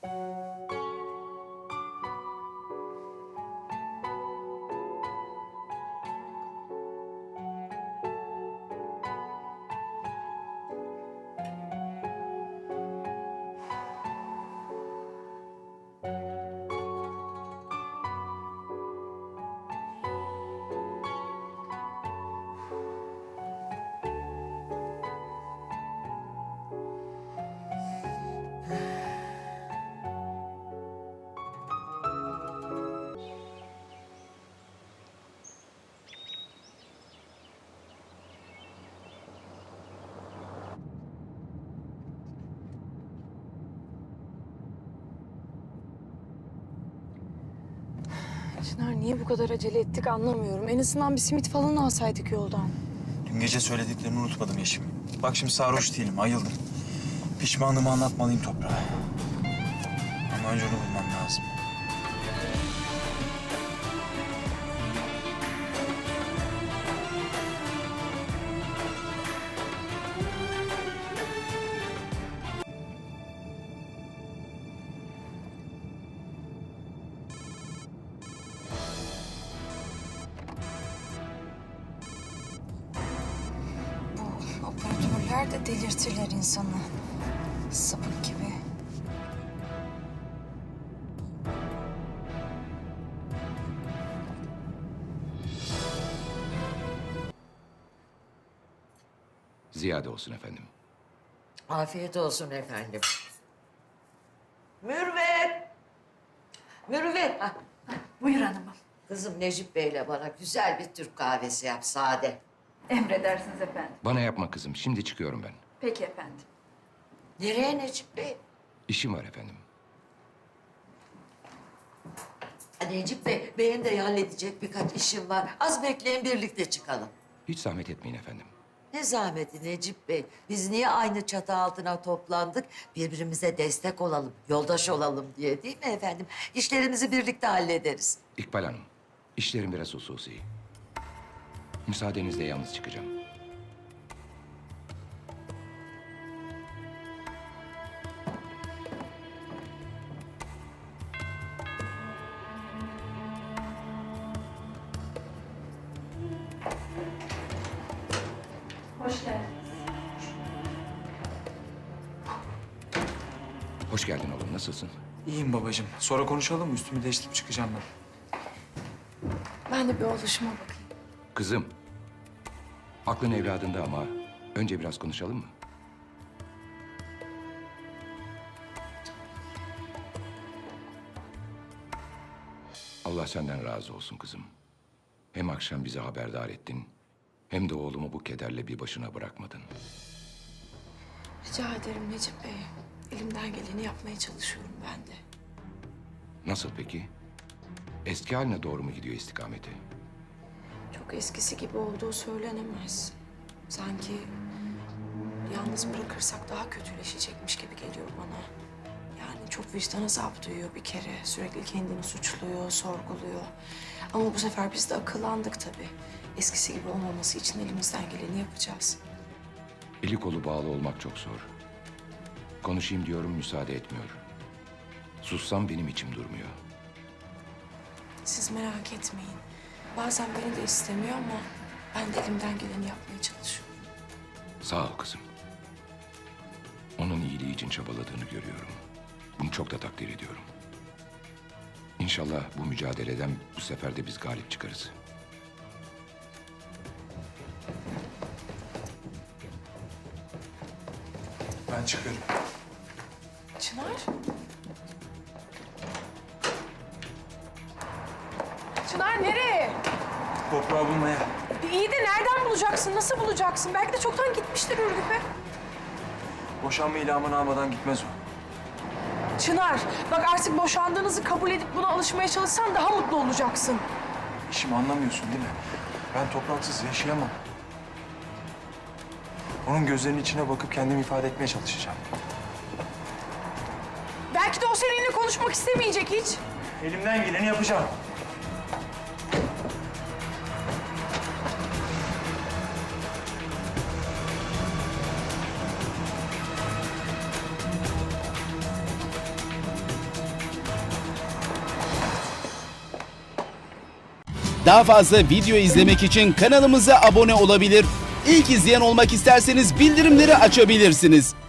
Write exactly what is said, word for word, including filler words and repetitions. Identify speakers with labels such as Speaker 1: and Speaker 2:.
Speaker 1: Çınar, niye bu kadar acele ettik anlamıyorum. En azından bir simit falan alsaydık yoldan.
Speaker 2: Dün gece söylediklerini unutmadım Yeşim. Bak şimdi sarhoş değilim, ayıldım. Pişmanlığımı anlatmalıyım toprağa. Ama önce onu bulmam lazım.
Speaker 1: Bu operatörler de delirtirler insanı. Sapık gibi.
Speaker 3: Ziyade olsun efendim.
Speaker 4: Afiyet olsun efendim. Mürvet! Mürvet! Ah,
Speaker 5: Buyur hanımım.
Speaker 4: kızım Necip Bey'le bana güzel bir Türk kahvesi yap, sade.
Speaker 5: Emredersiniz efendim.
Speaker 3: Bana yapma kızım. Şimdi çıkıyorum ben.
Speaker 5: Peki efendim.
Speaker 4: Nereye Necip Bey?
Speaker 3: İşim var efendim.
Speaker 4: Ha, Necip Bey, benim de halledecek birkaç işim var. Az bekleyin, birlikte çıkalım.
Speaker 3: Hiç zahmet etmeyin efendim.
Speaker 4: Ne zahmeti Necip Bey? Biz niye aynı çatı altına toplandık? Birbirimize destek olalım, yoldaş olalım diye değil mi efendim? İşlerimizi birlikte hallederiz.
Speaker 3: İkbal Hanım, işlerim biraz hususi. Müsaadenizle yalnız çıkacağım.
Speaker 5: Hoş geldiniz.
Speaker 3: Hoş geldin oğlum. Nasılsın?
Speaker 2: İyiyim babacığım. Sonra konuşalım mı? Üstümü değiştirip çıkacağım ben.
Speaker 1: Ben de bir oluşuma bakayım.
Speaker 3: Kızım, aklın evladında ama önce biraz konuşalım mı? Allah senden razı olsun kızım. Hem akşam bizi haberdar ettin, hem de oğlumu bu kederle bir başına bırakmadın.
Speaker 1: Rica ederim Necip Bey. Elimden geleni yapmaya çalışıyorum ben de.
Speaker 3: Nasıl peki? Eski haline doğru mu gidiyor istikameti?
Speaker 1: Çok eskisi gibi olduğu söylenemez. Sanki yalnız bırakırsak daha kötüleşecekmiş gibi geliyor bana. Yani çok vicdan azabı duyuyor bir kere. Sürekli kendini suçluyor, sorguluyor. Ama bu sefer biz de akıllandık tabii. Eskisi gibi olmaması için elimizden geleni yapacağız.
Speaker 3: Eli kolu bağlı olmak çok zor. Konuşayım diyorum, müsaade etmiyor. Sussam benim içim durmuyor.
Speaker 1: Siz merak etmeyin. Bazen beni de istemiyor ama ben de elimden geleni yapmaya çalışıyorum.
Speaker 3: Sağ ol kızım. Onun iyiliği için çabaladığını görüyorum. Bunu çok da takdir ediyorum. İnşallah bu mücadeleden bu sefer de biz galip çıkarız.
Speaker 2: Ben çıkıyorum.
Speaker 1: Çınar? Çınar nereye?
Speaker 2: Toprağı bulmaya.
Speaker 1: İyi de nereden bulacaksın? Nasıl bulacaksın? Belki de çoktan gitmiştir Ürgüp'e.
Speaker 2: Boşanma ilamını almadan gitmez o.
Speaker 1: Çınar, bak artık boşandığınızı kabul edip buna alışmaya çalışsan daha mutlu olacaksın.
Speaker 2: İşimi anlamıyorsun değil mi? Ben topraksız yaşayamam. Onun gözlerinin içine bakıp kendimi ifade etmeye çalışacağım.
Speaker 1: Belki de o seninle konuşmak istemeyecek hiç.
Speaker 2: Elimden geleni yapacağım.
Speaker 6: Daha fazla video izlemek için kanalımıza abone olabilir. İlk izleyen olmak isterseniz bildirimleri açabilirsiniz.